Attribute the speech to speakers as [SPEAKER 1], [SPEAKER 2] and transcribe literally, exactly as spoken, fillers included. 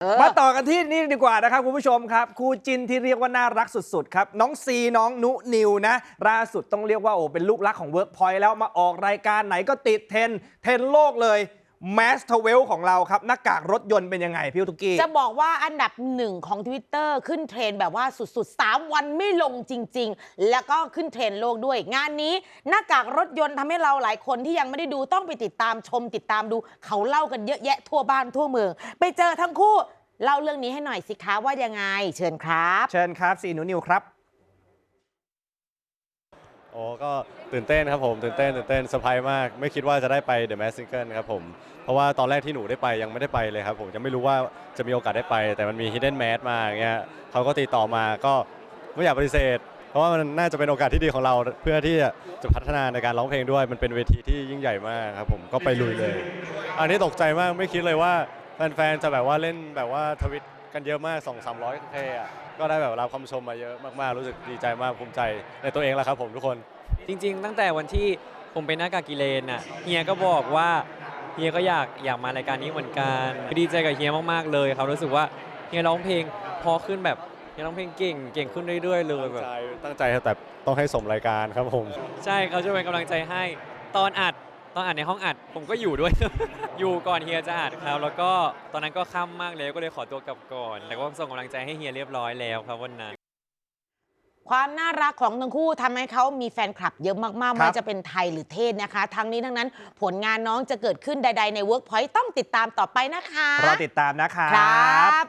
[SPEAKER 1] มาต่อกันที่นี่ดีกว่านะครับคุณผู้ชมครับคู่จิ้นที่เรียกว่าน่ารักสุดๆครับน้องซีน้องนุนิวนะล่าสุดต้องเรียกว่าโอ้เป็นลูกรักของ Workpoint แล้วมาออกรายการไหนก็ติดเทรนด์เทรนด์โลกเลยแมสทเวลของเราครับหน้ากากรถยนต์เป็นยังไงพี่ทุกกี้
[SPEAKER 2] จะบอกว่าอันดับหนึ่งของ Twitter ขึ้นเทรนด์แบบว่าสุดๆสามวันไม่ลงจริงๆแล้วก็ขึ้นเทรนด์โลกด้วยงานนี้หน้ากากรถยนต์ทำให้เราหลายคนที่ยังไม่ได้ดูต้องไปติดตามชมติดตามดูเขาเล่ากันเยอะแยะทั่วบ้านทั่วเมืองไปเจอทั้งคู่เล่าเรื่องนี้ให้หน่อยสิคะว่ายังไงเชิญครับ
[SPEAKER 1] เชิญครับซีนุนิวครับ
[SPEAKER 3] โอ้ก็ตื่นเต้นครับผมตื่นเต้นตื่นเต้นเซอร์ไพรส์มากไม่คิดว่าจะได้ไป The Masked Singer ครับผมเพราะว่าตอนแรกที่หนูได้ไปยังไม่ได้ไปเลยครับผมยังไม่รู้ว่าจะมีโอกาสได้ไปแต่มันมี Hidden Mask มาอย่างเงี้ยเขาก็ติดต่อมาก็ไม่อยากปฏิเสธเพราะว่ามันน่าจะเป็นโอกาสที่ดีของเราเพื่อที่จะพัฒนาในการร้องเพลงด้วยมันเป็นเวทีที่ยิ่งใหญ่มากครับผมก็ไปลุยเลยอันนี้ตกใจมากไม่คิดเลยว่าแฟนๆจะแบบว่าเล่นแบบว่าทวิตกันเยอะมาก สองถึงสามร้อย เคอ่ะก็ได้แบบรับคำชมมาเยอะมากๆรู้สึกดีใจมากภูมิใจในตัวเองแล้วครับผมทุกคน
[SPEAKER 4] จริงๆตั้งแต่วันที่ผมเป็นหน้ากากกิเลนน่ะเฮียก็บอกว่าเฮียก็อยากอยากมารายการนี้เหมือนกันดีใจกับเฮียมากๆเลยครับรู้สึกว่าเฮียร้องเพลงพอขึ้นแบบเฮียร้องเพลงเก่งเก่งขึ้นเรื่อยๆเลยแบบ
[SPEAKER 3] ตั้งใจแต่ต้องให้สมรายการครับผม
[SPEAKER 4] ใช่เขาจะเป็นกำลังใจให้ตอนอัดตอนอัดในห้องอัดผมก็อยู่ด้วย อยู่ก่อนเฮียจะอัดครับแล้วก็ตอนนั้นก็ค่ำมากแล้วก็เลยขอตัวกลับก่อนแต่ก็ส่งกำลังใจให้เฮียเรียบร้อยแล้วครับวันนั้น
[SPEAKER 2] ความน่ารักของทั้งคู่ทำให้เขามีแฟนคลับเยอะมากๆไม่ว่าจะเป็นไทยหรือเทศนะคะทั้งนี้ทั้งนั้นผลงานน้องจะเกิดขึ้นใดๆใน Workpoint ต้องติดตามต่อไปนะคะ
[SPEAKER 1] รอติดตามนะครั
[SPEAKER 2] ครับ